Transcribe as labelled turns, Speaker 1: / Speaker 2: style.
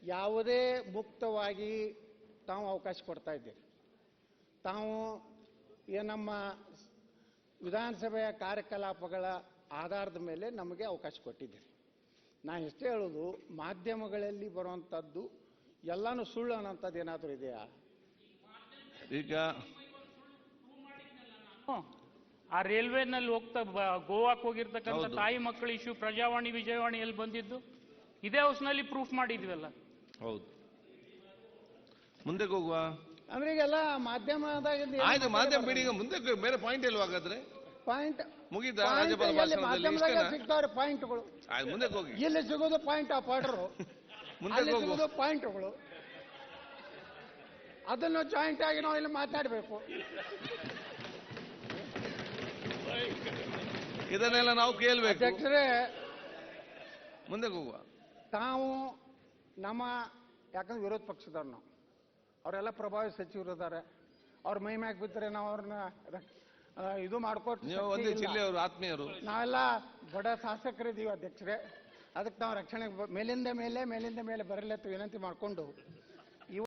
Speaker 1: ಯಾವುದೇ ಮುಕ್ತವಾಗಿ ತಾವು ಅವಕಾಶ ಕೊಡ್ತಾ ಇದ್ದೀರಿ. ತಾವು ನಮ್ಮ ವಿಧಾನಸಭೆಯ ಕಾರ್ಯಕಲಾಪಗಳ ಆಧಾರದ ಮೇಲೆ ನಮಗೆ ಅವಕಾಶ ಕೊಟ್ಟಿದ್ದೀರಿ. ನಾನು ಎಷ್ಟೇ ಹೇಳೋದು, ಮಾಧ್ಯಮಗಳಲ್ಲಿ ಬರುವಂಥದ್ದು ಎಲ್ಲಾನು ಸುಳ್ಳು ಅನ್ನೋಂಥದ್ದು ಏನಾದರೂ ಇದೆಯಾ?
Speaker 2: ಈಗ
Speaker 3: ಆ ರೈಲ್ವೆನಲ್ಲಿ ಹೋಗ್ತಾ ಗೋವಾಕ್ಕೆ ಹೋಗಿರ್ತಕ್ಕಂಥ ತಾಯಿ ಮಕ್ಕಳ ಇಶ್ಯೂ ಪ್ರಜಾವಾಣಿ ವಿಜಯವಾಣಿಯಲ್ಲಿ ಬಂದಿದ್ದು ಇದೇ ಹೌಸ್ನಲ್ಲಿ ಪ್ರೂಫ್ ಮಾಡಿದ್ವಲ್ಲ.
Speaker 2: ಹೌದು, ಮುಂದೆ ಹೋಗುವ
Speaker 1: ಅಂದ್ರೆ ಈಗೆಲ್ಲ ಮಾಧ್ಯಮದಾಗ
Speaker 2: ಆಯ್ತು, ಮಾಧ್ಯಮ ಬಿಡಿ. ಈಗ ಮುಂದೆ ಬೇರೆ ಪಾಯಿಂಟ್ ಇಲ್ವಾ? ಹಾಗಾದ್ರೆ
Speaker 1: ಪಾಯಿಂಟ್
Speaker 2: ಮುಗಿದ ರಾಜ್ಯಪಾಲ
Speaker 1: ಮಾಧ್ಯಮದಾಗ ಸಿಗ್ತಾವ್ರೆ ಪಾಯಿಂಟ್ಗಳು.
Speaker 2: ಮುಂದೆ ಹೋಗಿ.
Speaker 1: ಎಲ್ಲಿ ಸಿಗೋದು ಪಾಯಿಂಟ್ ಆ ಪಾಡ್ರು,
Speaker 2: ಮುಂದೆ
Speaker 1: ಸಿಗೋದು ಪಾಯಿಂಟ್ಗಳು. ಅದನ್ನು ಜಾಯಿಂಟ್ ಆಗಿ ನಾವು ಇಲ್ಲಿ ಮಾತಾಡಬೇಕು.
Speaker 2: ಇದನ್ನೆಲ್ಲ ನಾವು ಕೇಳಬೇಕು.
Speaker 1: ಅಧ್ಯಕ್ಷರೇ,
Speaker 2: ಮುಂದೆ ಹೋಗುವ.
Speaker 1: ತಾವು ನಮ್ಮ ಯಾಕಂದ್ರೆ ವಿರೋಧ ಪಕ್ಷದವ್ರು ನಾವು, ಅವರೆಲ್ಲ ಪ್ರಭಾವಿ ಸಚಿವರು ಇದ್ದಾರೆ. ಅವ್ರ ಮೈ ಮ್ಯಾಗ ಬಿದ್ದರೆ ನಾವು ಅವ್ರನ್ನ ಇದು ಮಾಡ್ಕೊಟ್ಟು
Speaker 2: ಒಂದೇ ಜಿಲ್ಲೆಯವರು, ಆತ್ಮೀಯರು,
Speaker 1: ನಾವೆಲ್ಲ ಬಡ ಶಾಸಕರಿದ್ದೀವಿ ಅಧ್ಯಕ್ಷರೇ. ಅದಕ್ಕೆ ನಾವು ರಕ್ಷಣೆಗೆ ಮೇಲಿಂದ ಮೇಲೆ ಬರಲೆತ್ತು ವಿನಂತಿ ಮಾಡಿಕೊಂಡು